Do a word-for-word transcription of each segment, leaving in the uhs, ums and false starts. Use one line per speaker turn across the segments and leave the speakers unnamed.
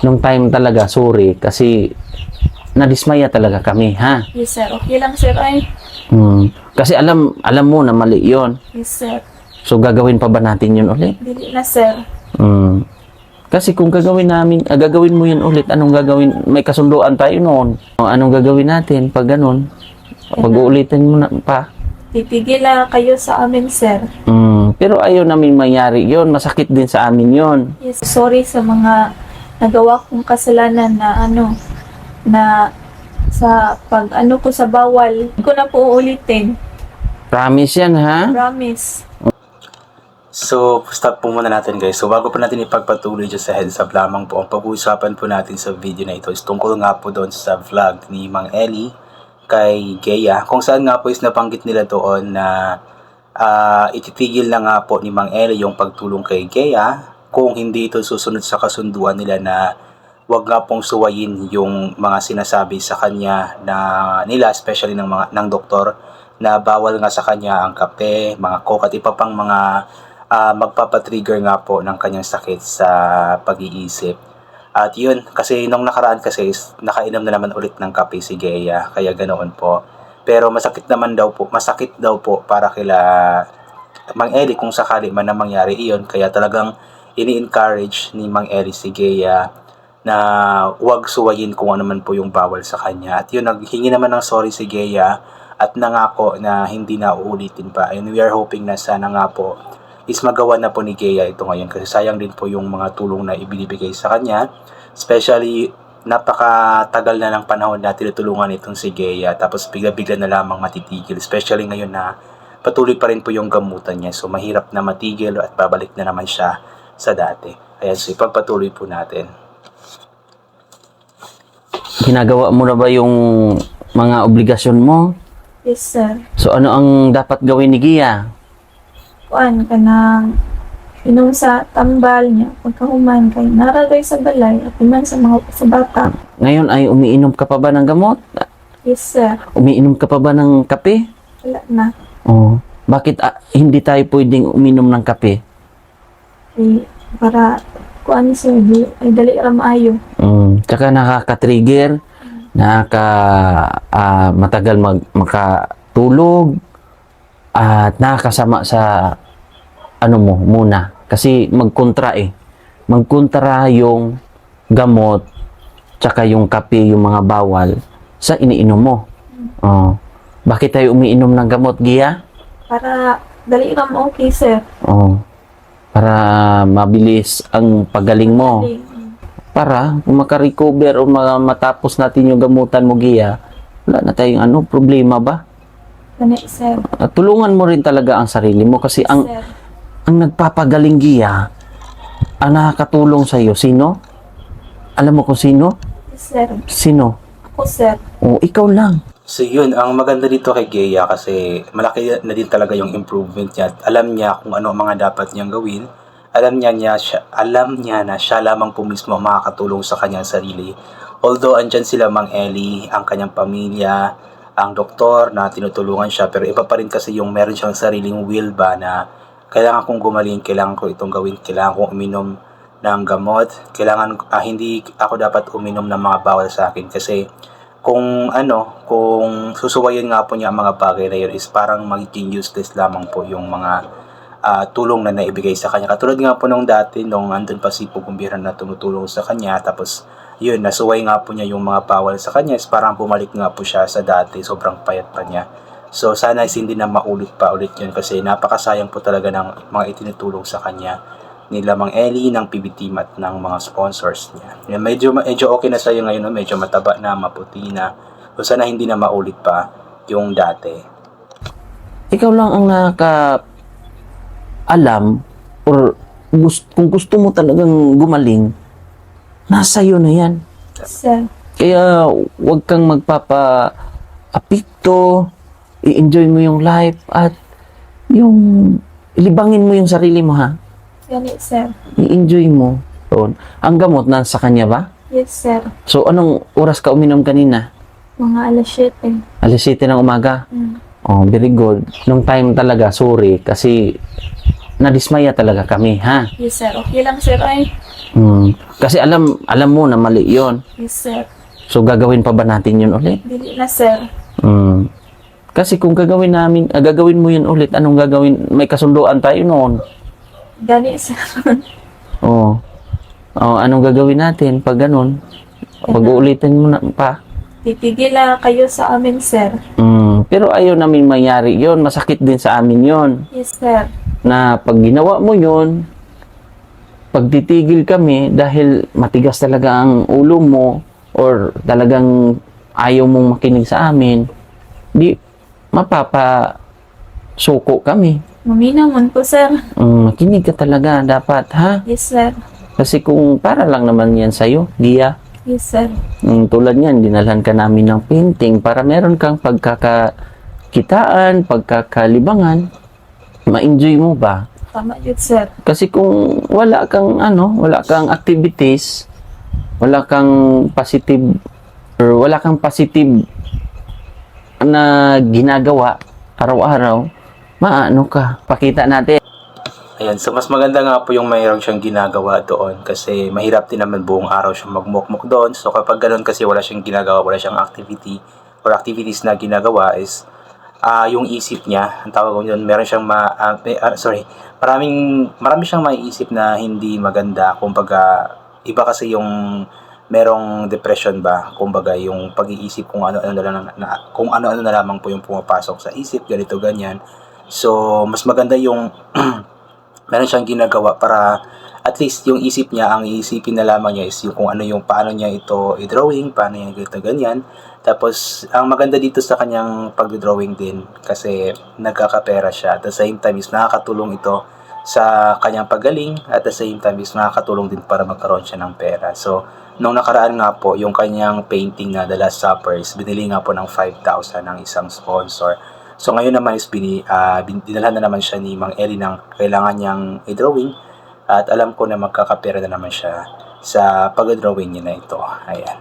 nung time talaga, sorry, kasi nadismaya talaga kami, ha?
Yes, sir. Okay lang, sir. Ay.
Hmm. Kasi alam, alam mo na mali yon.
Yes, sir.
So, gagawin pa ba natin yun ulit?
Dili na, sir.
Hmm. Kasi kung gagawin namin, ah, gagawin mo yun ulit, anong gagawin? May kasunduan tayo noon. O, anong gagawin natin pag ganun? Pag-uulitin mo na pa.
Titigil lang kayo sa amin, sir.
Hmm. Pero ayaw namin mangyari yon. Masakit din sa amin yon.
Yes, sorry sa mga nagawa kong kasalanan na ano, na sa pag ano ko sa bawal. Hindi ko na po uulitin.
Promise yan, ha?
Promise.
So, stop po muna natin guys. So, bago po natin ipagpatuloy dyan sa heads up lamang po, ang pag-uusapan po natin sa video na ito is tungkol nga po doon sa vlog ni Mang Eli kay Gea. Kung saan nga po is nabanggit nila doon na uh, ititigil na nga po ni Mang Eli yung pagtulong kay Gea kung hindi ito susunod sa kasunduan nila na wag nga pong suwayin yung mga sinasabi sa kanya na nila, especially ng mga ng doktor, na bawal nga sa kanya ang kape, mga coke at iba pang mga uh, magpapatrigger nga po ng kanyang sakit sa pag-iisip. At yun, kasi nung nakaraan kasi is, nakainom na naman ulit ng kape si Gea, kaya ganoon po. Pero masakit naman daw po, masakit daw po para kila Mang Eli kung sakali man na mangyari iyon, kaya talagang ini-encourage ni Mang Eli si Gea na wag suwayin kung ano man po yung bawal sa kanya. At yun, naghingi naman ng sorry si Gea at nangako na hindi na uulitin pa. And we are hoping na sana nga po is magawa na po ni Gea ito ngayon kasi sayang din po yung mga tulong na ibinibigay sa kanya. Especially, napakatagal na ng panahon na tinutulungan itong si Gea tapos bigla-bigla na lamang matitigil. Especially ngayon na patuloy pa rin po yung gamutan niya. So, mahirap na matigil at babalik na naman siya sa dati. Kaya so, ipagpatuloy po natin.
Ginagawa mo na ba yung mga obligasyon mo?
Yes, sir.
So, ano ang dapat gawin ni Gea?
Kuan ka nang inom sa tambal niya. Pagkahuman kay naragay sa balay at iman sa mga sa bata.
Ngayon ay umiinom ka pa ba ng gamot?
Yes, sir.
Umiinom ka pa ba ng kape?
Wala na.
Oh. Bakit ah, hindi tayo pwedeng uminom ng kape?
Eh, para kuan sir, di, ay dali ra maayo.
Mm. Tsaka nakaka-trigger, nakaka ah, matagal mag makatulog at nakakasama sa ano mo muna kasi magkontra eh. Magkontra yung gamot tsaka yung kape, yung mga bawal sa iniinom mo. Oh. Bakit tayo umiinom ng gamot, Gea?
Para dali ra mo okay, sir.
Oh. Para mabilis ang pagaling mo.
Dali.
Para makarecover o ma- matapos natin yung gamutan mo, Gea, wala na tayong ano, problema ba?
Gani, sir.
At tulungan mo rin talaga ang sarili mo kasi ang
Sir.
ang nagpapagaling, Gea, ang nakakatulong sa iyo, sino? Alam mo kung sino?
Yes, sir.
Sino?
Ako, sir.
O, ikaw lang.
So yun, ang maganda dito kay Gea kasi malaki na din talaga yung improvement niya at alam niya kung ano ang mga dapat niyang gawin. Alam niya, niya siya, alam niya na siya lamang po mismo makakatulong sa kanyang sarili. Although andyan sila Mang Eli, ang kanyang pamilya, ang doktor na tinutulungan siya, pero iba pa rin kasi yung meron siyang sariling will ba na kailangan kong gumaling, kailangan ko itong gawin, kailangan kong uminom ng gamot, kailangan ah, hindi ako dapat uminom ng mga bawal sa akin kasi kung ano, kung susuwayin nga po niya ang mga bagay na yun is parang magiging useless lamang po yung mga uh, tulong na naibigay sa kanya. Katulad nga po nung dati, nung andun pa si Pugumbira na tumutulong sa kanya, tapos yun, nasuway nga po niya yung mga bawal sa kanya, is parang bumalik nga po siya sa dati, sobrang payat pa niya. So sana is hindi na maulit pa ulit yun kasi napakasayang po talaga ng mga itinutulong sa kanya nila Mang Eli, ng P B Team at ng mga sponsors niya. Yan, medyo, medyo okay na sa'yo ngayon, no? Medyo mataba na, maputi na. So sana hindi na maulit pa yung dati.
Ikaw lang ang nakaka alam or gust- kung gusto mo talagang gumaling, nasa iyo na yan.
Sir.
Kaya huwag kang magpapa-apikto, i-enjoy mo yung life at yung ilibangin mo yung sarili mo, ha?
Gani, sir.
I-enjoy mo. So, ang gamot nasa kanya ba?
Yes, sir.
So, anong oras ka uminom kanina?
Mga alas siyete.
alas siyete ng umaga?
Mm.
Oh, very good. Nung time talaga, sorry, kasi nadismaya talaga kami, ha?
Yes, sir. Okay lang, sir. Ay.
Hmm. Kasi alam, alam mo na mali yon.
Yes, sir.
So, gagawin pa ba natin yun ulit?
Dili na, sir.
Hmm. Kasi kung gagawin namin, ah, gagawin mo yun ulit, anong gagawin? May kasunduan tayo noon.
Gani, sir.
Oo. Oh, anong gagawin natin pag ganun? Pag-uulitin mo na pa.
Titigil na kayo sa amin, sir.
Hmm. Pero ayaw namin mangyari yon. Masakit din sa amin yon.
Yes, sir.
Na pag ginawa mo yon, pag titigil kami dahil matigas talaga ang ulo mo or talagang ayaw mong makinig sa amin, di mapapa suko kami.
Maminamon po, sir.
Um, makinig ka talaga dapat, ha?
Yes, sir.
Kasi kung para lang naman yan sa'yo, Gia,
Yes, sir.
um, tulad yan, dinalhan ka namin ng painting para meron kang pagkakakitaan, pagkakalibangan, ma-enjoy mo ba?
Tama yun, sir.
Kasi kung wala kang ano, wala kang activities, wala kang positive or wala kang positive na ginagawa araw-araw, maano ka? Pakita natin.
Ayan, so mas maganda nga po yung mayroon siyang ginagawa doon kasi mahirap din naman buong araw siyang magmukmuk doon. So kapag ganoon kasi wala siyang ginagawa, wala siyang activity or activities na ginagawa is ah yung isip niya, ang tawag ko yun, meron siyang ma, ah, eh, ah, sorry, maraming, marami siyang maiisip na hindi maganda. Kumbaga, iba kasi yung merong depression ba, kumbaga yung pag-iisip kung ano-ano na, lang na kung ano-ano na lamang po yung pumapasok sa isip, ganito ganyan. So, mas maganda yung meron siyang ginagawa para at least yung isip niya, ang iisipin na lamang niya is yung kung ano yung paano niya ito i-drawing, paano niya ganito ganyan. Tapos, ang maganda dito sa kanyang pag-drawing din kasi nagkakapera siya. At the same time is nakakatulong ito sa kanyang paggaling at the same time is nakakatulong din para magkaroon siya ng pera. So, nung nakaraan nga po, yung kanyang painting na The Last Supper is binili nga po ng five thousand ng isang sponsor. So, ngayon naman is bini, uh, dinalhan na naman siya ni Mang Eli ng kailangan niyang i-drawing at alam ko na magkakapera na naman siya sa pag-drawing niya na ito. Ayan.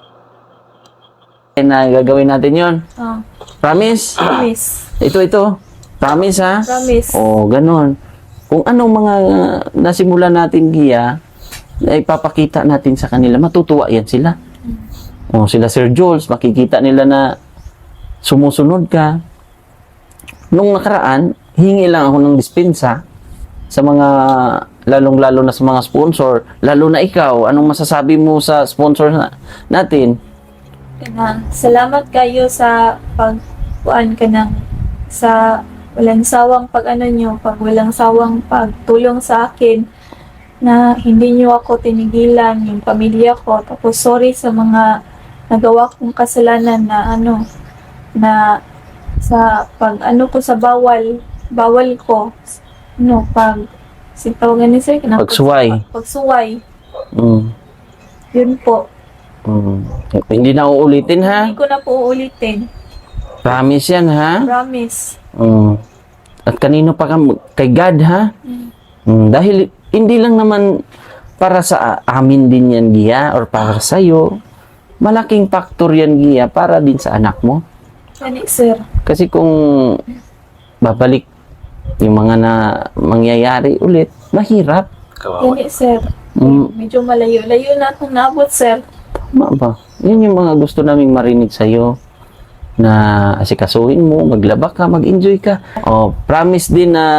Na gagawin natin yon.
Oh,
Promise?
promise.
Ito, ito. Promise, ha?
Promise.
O, ganun. Kung anong mga uh, nasimula natin, Gia, ay papakita natin sa kanila, matutuwa yan sila. O, sila Sir Jules, makikita nila na sumusunod ka. Nung nakaraan, hingi lang ako ng dispensa sa mga, lalong-lalo na sa mga sponsor, lalo na ikaw, anong masasabi mo sa sponsor na, natin?
Kana, salamat kayo sa pagkuan ka ng sa walang sawang pag ano nyo, pag walang sawang pagtulong sa akin na hindi nyo ako tinigilan, yung pamilya ko. Tapos sorry sa mga nagawa kong kasalanan na ano, na sa pag ano ko sa bawal, bawal ko, no, pag sitawagan ni sir, na
Pagsuway.
pagsuway,
Mm.
yun po.
Mm. Hindi na uulitin, ha?
Hindi ko na po uulitin.
Promise yan, ha?
Promise.
Mm. At kanino pa ka? Kay God, ha? Mm. Dahil hindi lang naman para sa amin din yan, Gia, or para sa iyo. Malaking factor yan, Gia, para din sa anak mo.
Gani, sir.
Kasi kung babalik yung mga na mangyayari ulit, mahirap.
Kawawa.
Gani, sir.
Mm.
Medyo malayo-layo na akong naabot, sir.
Tama ba? Yan yung mga gusto naming marinig sa'yo. Na asikasuhin mo, maglaba ka, mag-enjoy ka. O, promise din na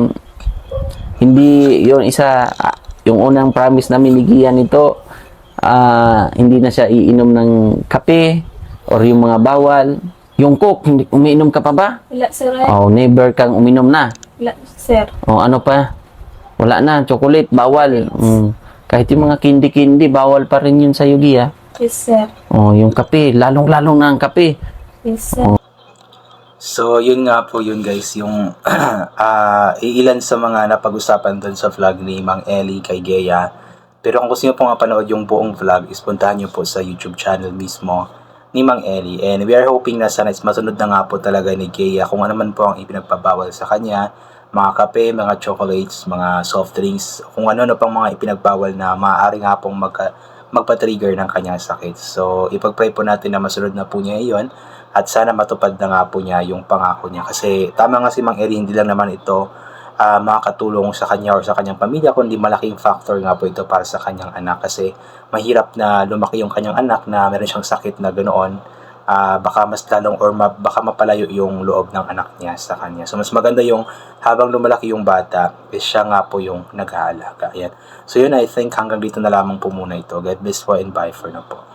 hindi yung isa, ah, yung unang promise namin ni Gia nito, ah, hindi na siya iinom ng kape or yung mga bawal. Yung coke, hindi, umiinom ka pa ba?
Wala, sir. Ay.
O, never kang uminom na.
Wala, sir.
O, ano pa? Wala na, chocolate, bawal. Mm. Kahit yung mga kindi-kindi, bawal pa rin yun sa'yo, Gia.
Yes, sir.
O, yung kape, lalong-lalong na ang kape.
Yes, sir.
So, yun nga po yun guys, yung ah iilan sa mga napag-usapan doon sa vlog ni Mang Eli kay Gea. Pero kung gusto nyo pong mapanood yung buong vlog, is puntahan nyo po sa YouTube channel mismo ni Mang Eli. And we are hoping na sana is masunod na nga po talaga ni Gea kung ano man po ang ipinagpabawal sa kanya. Mga kape, mga chocolates, mga soft drinks, kung ano-ano pang mga ipinagbawal na maaari nga pong magka, magpa-trigger ng kanyang sakit. So, ipag-pray po natin na masunod na po niya iyon at sana matupad na nga po niya yung pangako niya. Kasi tama nga si Mang Eli, hindi lang naman ito uh, makakatulong sa kanya or sa kanyang pamilya, kundi malaking factor nga po ito para sa kanyang anak kasi mahirap na lumaki yung kanyang anak na meron siyang sakit na ganoon. Uh, baka mas lalong or ma- baka mapalayo yung loob ng anak niya sa kanya. So mas maganda yung habang lumalaki yung bata, is siya nga po yung nag-aalaga. Ayan. So yun, I think hanggang dito na lamang po muna ito. God bless po and bye for now po.